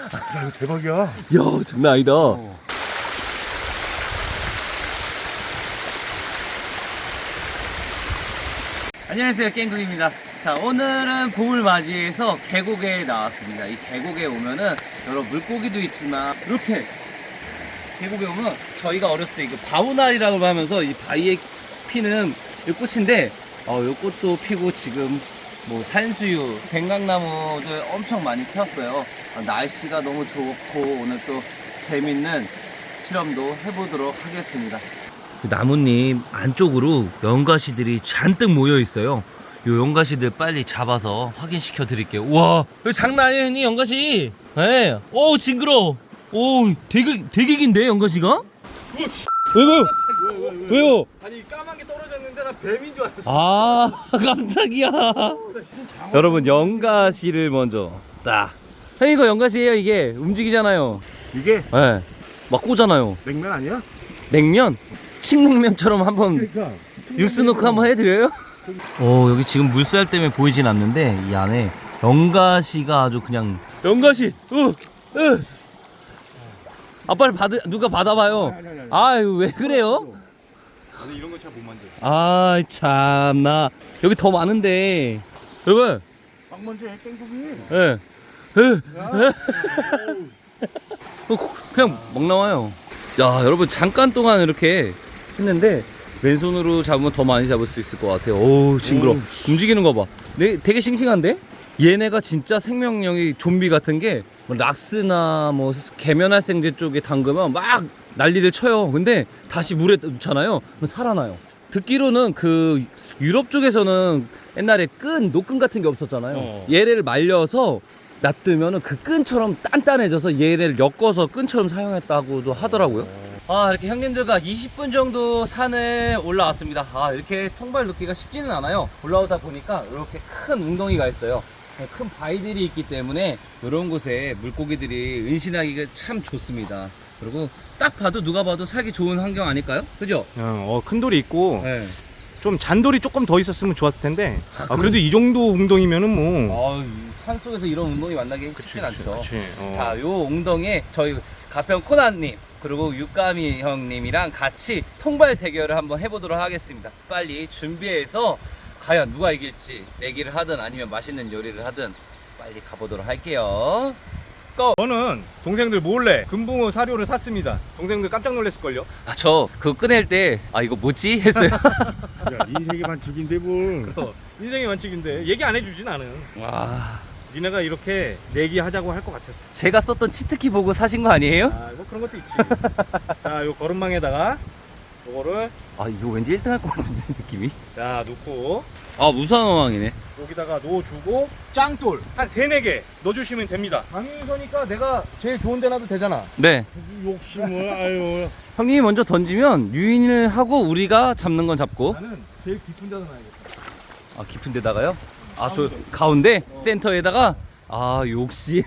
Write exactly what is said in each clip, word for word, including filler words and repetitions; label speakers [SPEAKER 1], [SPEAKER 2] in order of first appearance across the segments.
[SPEAKER 1] 야, 이거 대박이야.
[SPEAKER 2] 야, 장난 아니다. 어. 안녕하세요, 깽국입니다. 자, 오늘은 봄을 맞이해서 계곡에 나왔습니다. 이 계곡에 오면은 여러 물고기도 있지만 이렇게 계곡에 오면 저희가 어렸을 때 이거 바우날이라고 하면서 이 바위에 피는 이 꽃인데 어, 이 꽃도 피고 지금 뭐 산수유, 생강나무들 엄청 많이 피었어요. 어, 날씨가 너무 좋고 오늘 또 재밌는 실험도 해보도록 하겠습니다. 나뭇잎 안쪽으로 연가시들이 잔뜩 모여 있어요. 요 연가시들 빨리 잡아서 확인시켜 드릴게요. 우와, 이거 장난 아니에요, 형님, 연가시. 네. 오, 징그러. 오, 되게 되게 긴데 연가시가? 왜 왜요? 왜요?
[SPEAKER 1] 아니 까만 게 떨어졌는데 나 뱀인 줄 알았어.
[SPEAKER 2] 아, 깜짝이야. 여러분, 연가시를 먼저 딱. 형, 이거 연가시예요. 이게 움직이잖아요.
[SPEAKER 1] 이게
[SPEAKER 2] 네. 막 꼬잖아요.
[SPEAKER 1] 냉면 아니야?
[SPEAKER 2] 냉면? 칡냉면처럼 한번
[SPEAKER 1] 그러니까
[SPEAKER 2] 육수 넣고 한번 해드려요? 오, 여기 지금 물살 때문에 보이진 않는데 이 안에 연가시가 아주 그냥 연가시. 으, 으. 아, 빨리 받으 누가 받아봐요.
[SPEAKER 1] 아니, 아니, 아니.
[SPEAKER 2] 아유, 왜 그래요?
[SPEAKER 1] 나는 이런 거 잘 못 만져.
[SPEAKER 2] 아, 참나. 여기 더 많은데. 여러분.
[SPEAKER 1] 막 먼저 해 깽국이.
[SPEAKER 2] 예. 예. 그냥 막 나와요. 야, 여러분, 잠깐 동안 이렇게 했는데 왼손으로 잡으면 더 많이 잡을 수 있을 것 같아요. 오우, 징그러.
[SPEAKER 1] 오.
[SPEAKER 2] 움직이는 거 봐. 네, 되게 싱싱한데? 얘네가 진짜 생명력이 좀비 같은 게 뭐 락스나 뭐 계면활생제 쪽에 담그면 막 난리를 쳐요. 근데 다시 물에 넣잖아요. 그럼 살아나요. 듣기로는 그 유럽 쪽에서는 옛날에 끈, 노끈 같은 게 없었잖아요.
[SPEAKER 1] 어.
[SPEAKER 2] 얘를 말려서 놔두면은 그 끈처럼 단단해져서 얘를 엮어서 끈처럼 사용했다고도 하더라고요. 아, 이렇게 형님들과 이십 분 정도 산을 올라왔습니다. 아, 이렇게 통발 놓기가 쉽지는 않아요. 올라오다 보니까 이렇게 큰 웅덩이가 있어요. 큰 바위들이 있기 때문에 이런 곳에 물고기들이 은신하기가 참 좋습니다. 그리고 딱 봐도 누가 봐도 살기 좋은 환경 아닐까요? 그죠?
[SPEAKER 1] 어, 큰 돌이 있고
[SPEAKER 2] 네.
[SPEAKER 1] 좀 잔돌이 조금 더 있었으면 좋았을 텐데.
[SPEAKER 2] 아,
[SPEAKER 1] 아, 그래도 이 정도 웅덩이면은 뭐.
[SPEAKER 2] 아, 산 속에서 이런 웅덩이 만나기 쉽진 않죠.
[SPEAKER 1] 그치. 어.
[SPEAKER 2] 자, 요 웅덩이에 저희 가평 코나님 그리고 육감이 형님이랑 같이 통발 대결을 한번 해보도록 하겠습니다. 빨리 준비해서 과연 누가 이길지 내기를 하든 아니면 맛있는 요리를 하든 빨리 가보도록 할게요.
[SPEAKER 1] 저는 동생들 몰래 금붕어 사료를 샀습니다. 동생들 깜짝 놀랐을걸요?
[SPEAKER 2] 아, 저 그거 꺼낼 때 아, 이거 뭐지? 했어요.
[SPEAKER 3] 야, 인생의 반칙인데 뭘.
[SPEAKER 1] 어, 인생의 완칙인데 얘기 안 해주진 않은.
[SPEAKER 2] 와,
[SPEAKER 1] 니네가 이렇게 내기하자고 할 것 같았어.
[SPEAKER 2] 제가 썼던 치트키 보고 사신 거 아니에요?
[SPEAKER 1] 아, 뭐 그런 것도 있지. 자, 요 거름망에다가 요거를
[SPEAKER 2] 아, 이거 왠지 일 등 할 것 같은데 느낌이.
[SPEAKER 1] 자 놓고
[SPEAKER 2] 아, 무상어망이네.
[SPEAKER 1] 여기다가 넣어주고 짱돌 한 세네 개 넣어주시면 됩니다. 방위선이니까 내가 제일 좋은 데 놔도 되잖아.
[SPEAKER 2] 네.
[SPEAKER 3] 욕심을, 아유.
[SPEAKER 2] 형님이 먼저 던지면 유인을 하고 우리가 잡는 건 잡고.
[SPEAKER 1] 나는 제일 깊은 데서 놔야겠다.
[SPEAKER 2] 아, 깊은 데다가요? 아, 저 가운데?
[SPEAKER 1] 어.
[SPEAKER 2] 센터에다가? 아, 욕심.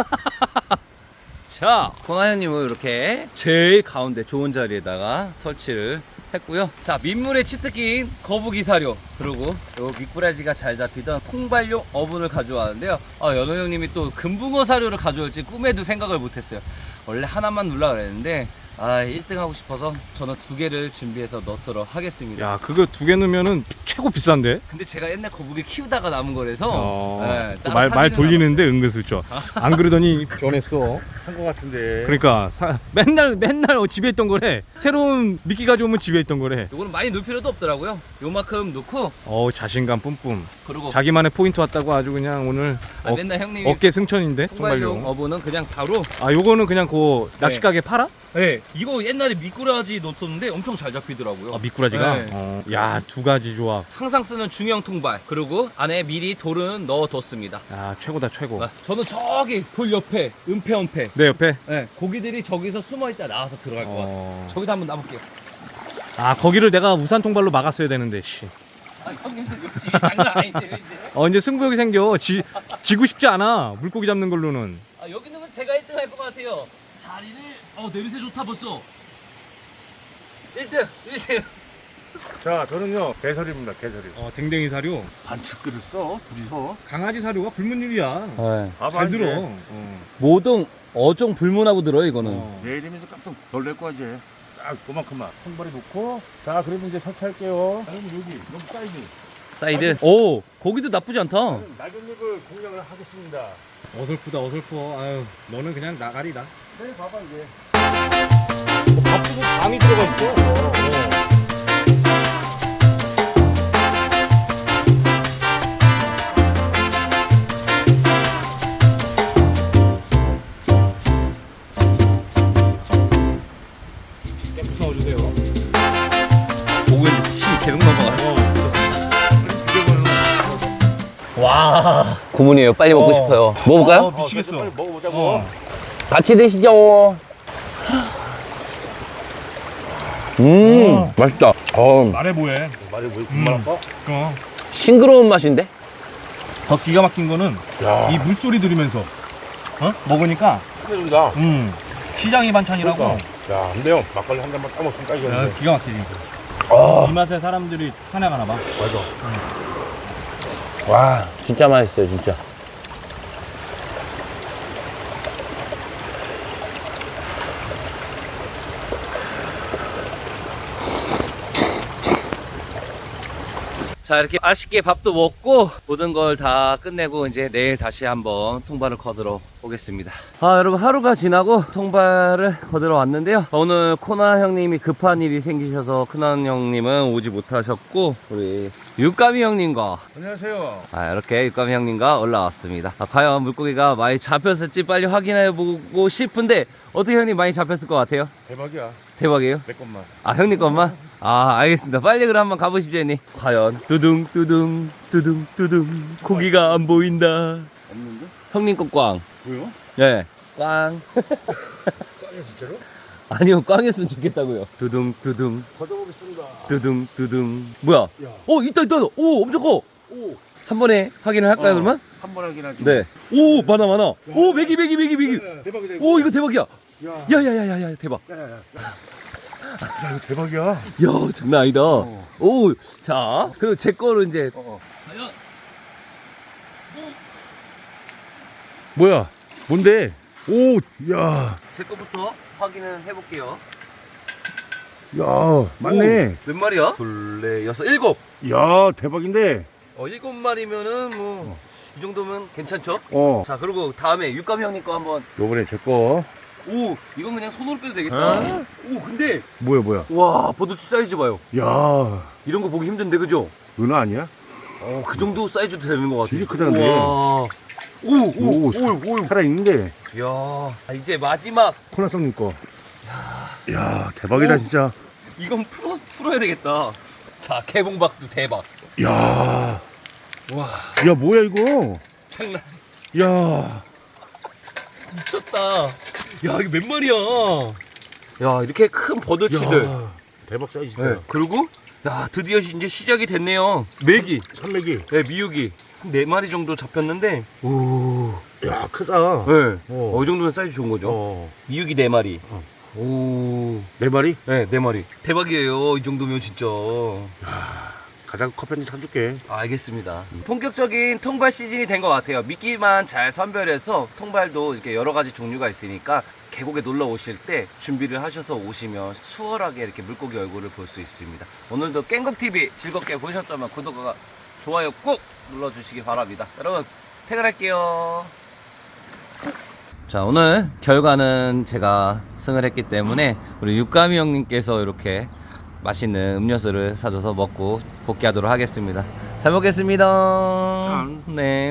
[SPEAKER 2] 자, 코나 형님은 이렇게 제일 가운데 좋은 자리에다가 설치를 했고요. 자, 민물에 치트낀 거북이 사료 그리고 요 미꾸라지가 잘 잡히던 통발용 어분을 가져왔는데요. 아, 연호 형님이 또 금붕어 사료를 가져올지 꿈에도 생각을 못했어요. 원래 하나만 넣으려고 그랬는데 아, 일 등 하고 싶어서 저는 두 개를 준비해서 넣도록 하겠습니다.
[SPEAKER 1] 야, 그거 두 개 넣으면은 최고 비싼데?
[SPEAKER 2] 근데 제가 옛날 거북이 키우다가 남은 거라서
[SPEAKER 1] 어,
[SPEAKER 2] 네, 따로
[SPEAKER 1] 말, 말
[SPEAKER 2] 사지는
[SPEAKER 1] 돌리는데 은근슬쩍. 안 그러더니 변했어.
[SPEAKER 3] 산 거 같은데.
[SPEAKER 1] 그러니까 사, 맨날 맨날 어, 집에 있던 거래. 새로운 미끼 가져오면 집에 있던 거래.
[SPEAKER 2] 요거는 많이 넣을 필요도 없더라고요. 요만큼 넣고
[SPEAKER 1] 어, 자신감 뿜뿜.
[SPEAKER 2] 그리고
[SPEAKER 1] 자기만의 포인트 왔다고 아주 그냥 오늘
[SPEAKER 2] 아,
[SPEAKER 1] 어,
[SPEAKER 2] 맨날 형님이
[SPEAKER 1] 어깨 승천인데
[SPEAKER 2] 통발용
[SPEAKER 1] 정말요.
[SPEAKER 2] 어부는 그냥 바로
[SPEAKER 1] 아, 요거는 그냥 그 낚시 가게 팔아?
[SPEAKER 2] 네. 이거 옛날에 미꾸라지 넣었었는데 엄청 잘 잡히더라고요.
[SPEAKER 1] 아, 미꾸라지가.
[SPEAKER 2] 네.
[SPEAKER 1] 어, 야, 두 가지 조합.
[SPEAKER 2] 항상 쓰는 중형 통발 그리고 안에 미리 돌은 넣어뒀습니다.
[SPEAKER 1] 아, 최고다 최고.
[SPEAKER 2] 아, 저는 저기 돌 옆에 은폐은폐
[SPEAKER 1] 내 옆에.
[SPEAKER 2] 네, 고기들이 저기서 숨어있다 나와서 들어갈 것 같아요.
[SPEAKER 1] 어.
[SPEAKER 2] 저기다 한번 놔볼게요.
[SPEAKER 1] 아, 거기를 내가 우산 통발로 막았어야 되는데. 씨.
[SPEAKER 2] 아, 형님들 역시 장난 아닌데요 이제.
[SPEAKER 1] 어, 이제 승부욕이 생겨. 지 지고 싶지 않아. 물고기 잡는 걸로는.
[SPEAKER 2] 아, 여기 넣으면 제가 일 등 할 것 같아요. 자리를 어 냄새 좋다 벌써. 일 등 일 등
[SPEAKER 3] 자, 저는요 개설입니다. 개설이.
[SPEAKER 1] 어, 댕댕이 사료.
[SPEAKER 3] 반칙들을 써 둘이서.
[SPEAKER 1] 강아지 사료가 불문율이야.
[SPEAKER 2] 네.
[SPEAKER 3] 아,
[SPEAKER 1] 잘 들어. 어.
[SPEAKER 2] 모동 어종 불문하고 들어요 이거는.
[SPEAKER 1] 어.
[SPEAKER 3] 내일이면 깜짝 놀랄 거야 이제. 딱 그만큼만 한 발에 놓고. 자, 그러면 이제 설치할게요. 그럼 여기 여기 사이드.
[SPEAKER 2] 사이드. 오, 고기도 나쁘지 않다.
[SPEAKER 3] 낙엽잎을 공략을 하겠습니다.
[SPEAKER 1] 어설프다 어설퍼. 아유, 너는 그냥 나가리다.
[SPEAKER 3] 네, 봐봐 이제.
[SPEAKER 1] 밥도 방이 들어가 있어. 어. 무서워주세요.
[SPEAKER 2] 고기에 침 계속 넘어가요.
[SPEAKER 1] 어,
[SPEAKER 2] 와, 고문이에요. 빨리 먹고
[SPEAKER 1] 어.
[SPEAKER 2] 싶어요. 먹어볼까요?
[SPEAKER 1] 어, 미치겠어.
[SPEAKER 3] 빨리 먹어보자고.
[SPEAKER 1] 어.
[SPEAKER 2] 같이 드시죠. 음, 맛있다. 어,
[SPEAKER 1] 말해 뭐해.
[SPEAKER 3] 말이 뭐
[SPEAKER 1] 음.
[SPEAKER 3] 금방 아파?
[SPEAKER 1] 어.
[SPEAKER 2] 싱그러운 맛인데?
[SPEAKER 1] 더 기가 막힌 거는
[SPEAKER 3] 야,
[SPEAKER 1] 이 물소리 들으면서 어? 먹으니까
[SPEAKER 3] 끝내준다.
[SPEAKER 1] 음. 시장이 반찬이라고.
[SPEAKER 3] 야, 안 돼요. 막걸리 한 잔만 따먹으면
[SPEAKER 1] 야,
[SPEAKER 3] 딱이겠는데.
[SPEAKER 1] 기가 막히지.
[SPEAKER 2] 아,
[SPEAKER 1] 이 맛에 사람들이 사냥하나 봐.
[SPEAKER 3] 맞아.
[SPEAKER 2] 와, 진짜 맛있어요, 진짜. 자, 이렇게 맛있게 밥도 먹고 모든 걸 다 끝내고 이제 내일 다시 한번 통발을 거들어 오겠습니다. 아, 여러분 하루가 지나고 통발을 거들어 왔는데요. 오늘 코나 형님이 급한 일이 생기셔서 코나 형님은 오지 못하셨고 우리 육감이 형님과
[SPEAKER 3] 안녕하세요.
[SPEAKER 2] 아, 이렇게 육감이 형님과 올라왔습니다. 아, 과연 물고기가 많이 잡혔을지 빨리 확인해 보고 싶은데 어떻게 형님 많이 잡혔을 것 같아요?
[SPEAKER 3] 대박이야.
[SPEAKER 2] 대박이에요?
[SPEAKER 3] 내 것만.
[SPEAKER 2] 아, 형님 것만? 아, 알겠습니다. 빨리 그럼 한번 가보시죠, 형님. 과연 뚜둥 뚜둥 뚜둥 뚜둥 고기가 안 보인다.
[SPEAKER 3] 없는데?
[SPEAKER 2] 형님 것 꽝.
[SPEAKER 3] 뭐요?
[SPEAKER 2] 예. 꽝.
[SPEAKER 3] 꽝이야 진짜로?
[SPEAKER 2] 아니요, 꽝이었으면 좋겠다고요. 뚜둥 뚜둥
[SPEAKER 3] 걷어보겠습니다.
[SPEAKER 2] 뚜둥 뚜둥. 뭐야?
[SPEAKER 3] 야.
[SPEAKER 2] 어, 있다 있다. 오, 엄청 커.
[SPEAKER 3] 오.
[SPEAKER 2] 한 번에 확인을 할까요,
[SPEAKER 3] 어.
[SPEAKER 2] 그러면?
[SPEAKER 3] 한 번 하긴 하지.
[SPEAKER 2] 네. 오, 많아 많아. 오, 메기 메기 메기 메기.
[SPEAKER 3] 야, 대박이다. 이거.
[SPEAKER 2] 오, 이거 대박이야.
[SPEAKER 3] 야.
[SPEAKER 2] 야야야야야, 대박.
[SPEAKER 3] 야, 야, 야. 야, 이거 대박이야.
[SPEAKER 2] 야, 장난 아니다.
[SPEAKER 3] 어.
[SPEAKER 2] 오, 자, 그리고 제 거를 이제
[SPEAKER 3] 어.
[SPEAKER 2] 과연
[SPEAKER 3] 뭐야? 뭔데? 오, 야,
[SPEAKER 2] 제 거부터 확인을 해볼게요.
[SPEAKER 3] 야, 맞네.
[SPEAKER 2] 오, 몇 마리야? 둘, 넷, 여섯, 일곱.
[SPEAKER 3] 야, 대박인데.
[SPEAKER 2] 어, 일곱 마리면은 뭐 이 정도면 괜찮죠?
[SPEAKER 3] 어.
[SPEAKER 2] 자, 그리고 다음에 육감 형님 거 한번.
[SPEAKER 3] 요번에 제 거.
[SPEAKER 2] 오, 이건 그냥 손으로 빼도 되겠다. 오, 근데
[SPEAKER 3] 뭐야, 뭐야?
[SPEAKER 2] 와, 버드치 사이즈 봐요.
[SPEAKER 3] 야,
[SPEAKER 2] 이런 거 보기 힘든데, 그죠?
[SPEAKER 3] 은하 아니야?
[SPEAKER 2] 어, 그 정도 사이즈도 되는 것 같아.
[SPEAKER 3] 되게 크다는데.
[SPEAKER 2] 와. 오, 오, 오, 오, 오.
[SPEAKER 3] 살아 있는데.
[SPEAKER 2] 야, 아, 이제 마지막.
[SPEAKER 3] 코나성님 거. 야, 대박이다
[SPEAKER 2] 오.
[SPEAKER 3] 진짜.
[SPEAKER 2] 이건 풀어, 풀어야 되겠다. 자, 개봉박도 대박.
[SPEAKER 3] 야,
[SPEAKER 2] 와,
[SPEAKER 3] 야 뭐야 이거?
[SPEAKER 2] 장난.
[SPEAKER 3] 야,
[SPEAKER 2] 미쳤다. 야, 이거 몇 마리야? 야, 이렇게 큰 버드치들.
[SPEAKER 3] 야, 대박 사이즈다.
[SPEAKER 2] 네. 그리고 야, 드디어 이제 시작이 됐네요. 메기,
[SPEAKER 3] 산맥이.
[SPEAKER 2] 네, 미육이 한 네 마리 정도 잡혔는데,
[SPEAKER 3] 오, 야 크다.
[SPEAKER 2] 네,
[SPEAKER 3] 어.
[SPEAKER 2] 어, 이 정도면 사이즈 좋은 거죠.
[SPEAKER 3] 어,
[SPEAKER 2] 미육이 네 마리.
[SPEAKER 3] 어.
[SPEAKER 2] 오,
[SPEAKER 3] 네 마리?
[SPEAKER 2] 네, 네 마리. 대박이에요. 이 정도면 진짜.
[SPEAKER 3] 가장 커피 한잔 사줄게.
[SPEAKER 2] 아, 알겠습니다. 본격적인 통발 시즌이 된 것 같아요. 미끼만 잘 선별해서 통발도 이렇게 여러 가지 종류가 있으니까 계곡에 놀러 오실 때 준비를 하셔서 오시면 수월하게 이렇게 물고기 얼굴을 볼 수 있습니다. 오늘도 깽곡티비 즐겁게 보셨다면 구독과 좋아요 꾹 눌러주시기 바랍니다. 여러분, 퇴근할게요. 자, 오늘 결과는 제가 승을 했기 때문에 우리 육감이 형님께서 이렇게 맛있는 음료수를 사줘서 먹고 복귀하도록 하겠습니다. 잘 먹겠습니다.
[SPEAKER 3] 짠.
[SPEAKER 2] 네.